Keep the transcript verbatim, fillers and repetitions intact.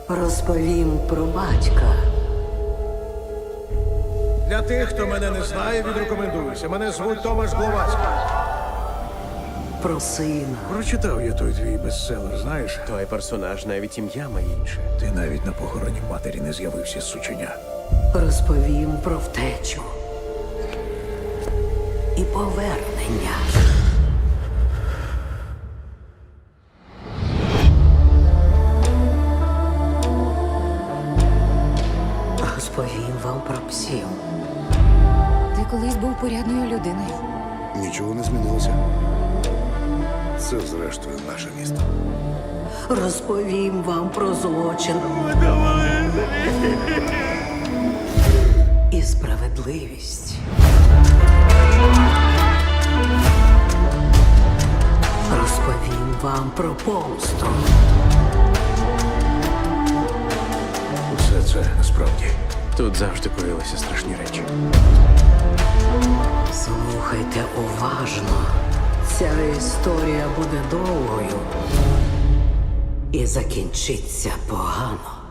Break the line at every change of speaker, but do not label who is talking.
Розповім про батька.
Для тих, хто мене не знає, відрекомендуюся. Мене звуть Томаш Гловацький.
Про сина.
Прочитав я той твій бестселер, знаєш?
Той персонаж навіть ім'я має інше.
Ти навіть на похороні матері не з'явився з сученя.
Розповім про втечу. І повернення. Розповім вам про псів.
Ти колись був порядною людиною.
Нічого не змінилося. Це, зрештою, наше місто.
Розповім вам про злочин. І справедливість. Розповім вам про помсту.
Усе це насправді.
Тут завжди коїлися страшні речі.
Слухайте уважно. Ця історія буде довгою і закінчиться погано.